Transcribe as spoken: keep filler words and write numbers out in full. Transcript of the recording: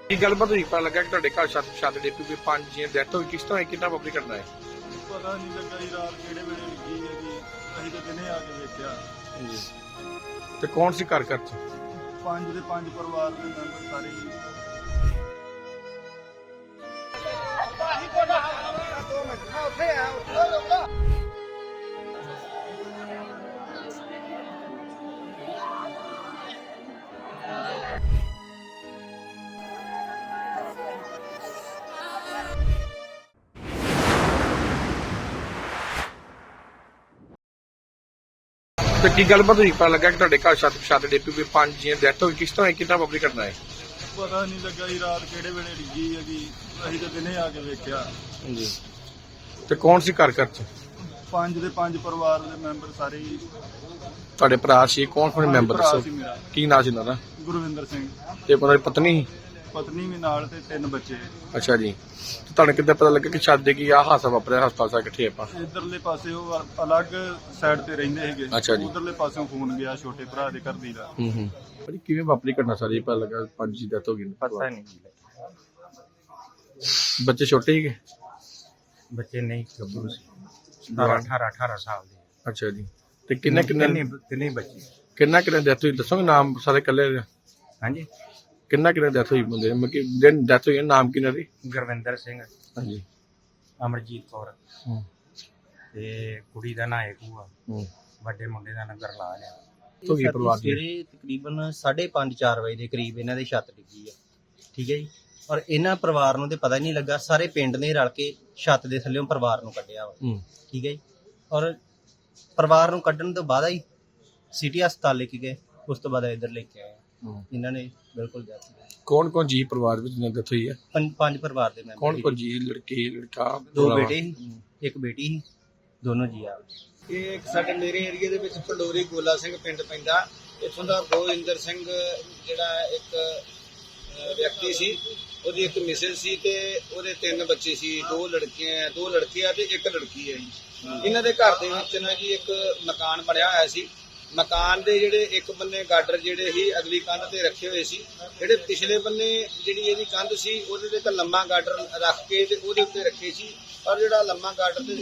ਕੀ ਗੱਲਬਾਤ ਹੋਈ? ਪਤਾ ਲੱਗਾ ਕਿ ਤੁਹਾਡੇ ਘਰ ਛੱਤ ਛੱਤ ਡਿੱਗ ਪਈ, ਪੰਜ ਜੀਆਂ ਡੈਥ ਹੋਈ। ਕਿਸ ਤਰ੍ਹਾਂ ਕਿੰਨਾ ਵਾਪਰੀ ਕਰਨਾ ਹੈ? ਪਤਾ ਨਹੀਂ ਲੱਗਾ ਜੀ ਰਾਤ ਕਿਹੜੇ ਵੇਲੇ ਲੱਗੀ ਹੈ ਜੀ। ਅਸੀਂ ਤਾਂ ਦਿਨੇ ਆ ਕੇ ਵੇਖਿਆ। ਜੀ ਤੇ ਕੌਣ ਸੀ ਘਰ ਘਰ ਚ? ਪੰਜ ਦੇ ਪੰਜ ਪਰਿਵਾਰ ਦੇ ਮੈਂਬਰ ਸਾਰੇ ਜੀ। ਤੇ ਕੀ ਗੱਲਬਾਤ ਹੋਈ? ਪਤਾ ਲੱਗਾ ਕਿ ਤੁਹਾਡੇ ਘਰ ਛੱਤ ਛੱਤ ਡਿੱਗ ਪਈ, ਪੰਜ ਜੀਆਂ ਡੈਥ ਹੋਈ। ਕਿਸ ਤਰ੍ਹਾਂ ਕਿੰਨਾ ਵਾਪਰੀ ਕਰਨਾ ਹੈ? ਪਤਾ ਨਹੀਂ ਲੱਗਾ ਜੀ ਰਾਤ ਕਿਹੜੇ ਵੇਲੇ ਲੱਗੀ ਹੈ ਜੀ। ਅਸੀਂ ਤਾਂ ਦਿਨੇ ਆ ਕੇ ਵੇਖਿਆ। ਜੀ ਤੇ ਕੌਣ ਸੀ ਘਰ ਘਰ ਚ? ਪੰਜ ਦੇ ਪੰਜ ਪਰਿਵਾਰ ਦੇ ਮੈਂਬਰ ਸਾਰੇ ਜੀ। ਤੁਹਾਡੇ ਭਰਾ ਸੀ? ਕੌਣ ਕੌਣ ਮੈਂਬਰ ਭਰਾ ਦੱਸੋ? ਸੀ ਮੇਰਾ ਕੀ ਨਾਂ ਸੀ ਇਹਨਾਂ ਦਾ? ਗੁਰਵਿੰਦਰ ਸਿੰਘ। ਤੇ ਉਹਨਾਂ ਦੀ ਪਤਨੀ? ਪਤਨੀ ਵੀ ਨਾਲ ਤੇ ਤਿੰਨ ਬੱਚੇ। ਅੱਛਾ ਜੀ। ਤੇ ਤੁਹਾਨੂੰ ਕਿੱਦਾਂ ਪਤਾ ਲੱਗਾ ਕਿ ਛੱਤ ਡਿੱਗੀ ਆ ਹਾਦਸਾ ਵਾਪਰਿਆ? ਹਸਪਤਾਲ ਸਾ ਇਕੱਠੇ ਆਪਾਂ। ਇਧਰਲੇ ਪਾਸੇ ਉਹ ਅਲੱਗ ਸਾਈਡ ਤੇ ਰਹਿੰਦੇ ਸੀਗੇ। ਅੱਛਾ ਜੀ। ਉਧਰਲੇ ਪਾਸਿਓਂ ਫੋਨ ਗਿਆ ਛੋਟੇ ਭਰਾ ਦੇ ਘਰ ਦੀ ਦਾ। ਹੂੰ ਹੂੰ ਭਾਜੀ ਕਿਵੇਂ ਵਾਪਰੀ ਘਟਨਾ ਸਾਰੀ? ਪਤਾ ਲੱਗਾ ਪੰਜ ਦੀ ਡੈਥ ਹੋ ਗਈ। ਪਤਾ ਨਹੀਂ ਜੀ। ਬੱਚੇ ਛੋਟੇ ਸੀਗੇ? ਬੱਚੇ ਨਹੀਂ ਗੱਭਰੂ ਸੀ। ਸਤਾਰਾਂ ਅਠਾਰਾਂ ਅਠਾਰਾਂ ਸਾਲ ਦੇ। ਅੱਛਾ ਜੀ। ਤੇ ਕਿੰਨੇ ਕਿੰਨੇ ਤਿੰਨੇ ਤਿੰਨੇ ਬੱਚੇ। ਕਿੰਨਾ ਕਿੰਨਾ ਡੈਥ ਹੋਈ ਦੱਸੋਗੇ? ਨਾਮ ਸਾਰੇ ਇਕੱਲੇ ਦੇ? ਹਾਂਜੀ। ਕਿੰਨਾ ਕਿੰਨਾ ਡੈਥ ਹੋਈ ਬੰਦੇ ਮਤਲਬ ਕਿ ਦਿਨ ਡੈਥ ਹੋਈ ਹੈ, ਨਾਮ ਕਿੰਨਾ ਦੀ? ਗੁਰਵਿੰਦਰ ਸਿੰਘ, ਹਾਂਜੀ। ਅਮਰਜੀਤ ਕੌਰ ਹੂੰ ਤੇ ਕੁੜੀ ਦਾ ਨਾਂ ਏਕੂ ਆ। ਹੂੰ ਵੱਡੇ ਮੁੰਡੇ ਦਾ ਨਾਂ ਗਰਲਾਲ ਆ। ਤੋਂ ਕੀ ਪਰਿਵਾਰ ਦੀ? ਸਵੇਰੇ ਤਕਰੀਬਨ ਸਾਢੇ ਪੰਜ ਚਾਰ ਵਜੇ ਦੇ ਕਰੀਬ ਇਹਨਾਂ ਦੇ ਛੱਤ ਡਿੱਗੀ ਆ। ਠੀਕ ਹੈ ਜੀ। ਔਰ ਇਹਨਾਂ ਪਰਿਵਾਰ ਨੂੰ ਤੇ ਪਤਾ ਹੀ ਨਹੀਂ ਲੱਗਾ। ਸਾਰੇ ਪਿੰਡ ਨੇ ਰਲ ਕੇ ਛੱਤ ਦੇ ਥੱਲੇੋਂ ਪਰਿਵਾਰ ਨੂੰ ਕੱਢਿਆ ਵਾ। ਹੂੰ ਠੀਕ ਹੈ ਜੀ। ਔਰ ਪਰਿਵਾਰ ਨੂੰ ਕੱਢਣ ਤੋਂ ਬਾਅਦ ਹੀ ਸਿਟੀ ਹਸਪਤਾਲ ਲੈ ਕੇ ਗਏ। ਉਸ ਤੋਂ ਬਾਅਦ ਇੱਧਰ ਲੈ ਕੇ ਆਏ। ਹੂੰ ਇਹਨਾਂ ਨੇ ਬਿਲਕੁਲ death ਹੋ ਗਈ। ਕੌਣ ਕੌਣ ਜੀ ਪਰਿਵਾਰ ਵਿੱਚ ਜਿਹਨਾਂ ਡੈਥ ਹੋਈ ਹੈ? ਪੰਜ ਪੰਜ ਪਰਿਵਾਰ ਦੇ ਮੈਂਬਰ ਕੌਣ ਕੌਣ ਜੀ? ਲੜਕੀ ਲੜਕਾ? ਦੋ ਬੇਟੇ ਸੀ, ਇੱਕ ਬੇਟੀ ਸੀ, ਦੋਨੋਂ ਜੀ ਆ। ਇਹ ਇੱਕ ਸਾਡੇ ਮੇਰੇ ਏਰੀਆ ਦੇ ਵਿੱਚ ਪੰਡੋਰੀ ਗੋਲਾ ਸਿੰਘ ਪਿੰਡ ਪੈਂਦਾ। ਇੱਥੋਂ ਦਾ ਗੋਇੰਦਰ ਸਿੰਘ ਜਿਹੜਾ ਇੱਕ ਅਹ, ਵਿਅਕਤੀ ਸੀ। ਉਹਦੀ ਇੱਕ ਮਿਸਿਸ ਸੀ ਤੇ ਉਹਦੇ ਤਿੰਨ ਬੱਚੇ ਸੀ। ਦੋ ਲੜਕੀਆਂ ਦੋ ਲੜਕੇ ਆ ਤੇ ਇੱਕ ਲੜਕੀ ਹੈ ਜੀ। ਇਹਨਾਂ ਦੇ ਘਰ ਦੇ ਵਿੱਚ ਨਾ ਜੀ ਇੱਕ ਮਕਾਨ ਬਣਿਆ ਹੋਇਆ ਸੀ। ਮਕਾਨ ਦੇ ਜਿਹੜੇ ਇੱਕ ਬੰਨੇ ਗਾਡਰ ਜਿਹੜੇ ਸੀ ਅਗਲੀ ਕੰਧ ਤੇ ਰੱਖੇ ਹੋਏ ਸੀ। ਜਿਹੜੇ ਪਿਛਲੇ ਬੰਨੇ ਜਿਹੜੀ ਇਹਦੀ ਕੰਧ ਸੀ ਉਹਦੇ ਤੇ ਇੱਕ ਲੰਮਾ ਗਾਡਰ ਰੱਖ ਕੇ ਤੇ ਉਹਦੇ ਉੱਤੇ ਰੱਖੇ ਸੀ। ਔਰ ਜਿਹੜਾ ਲੰਮਾ ਗਾਡਰ ਤੇ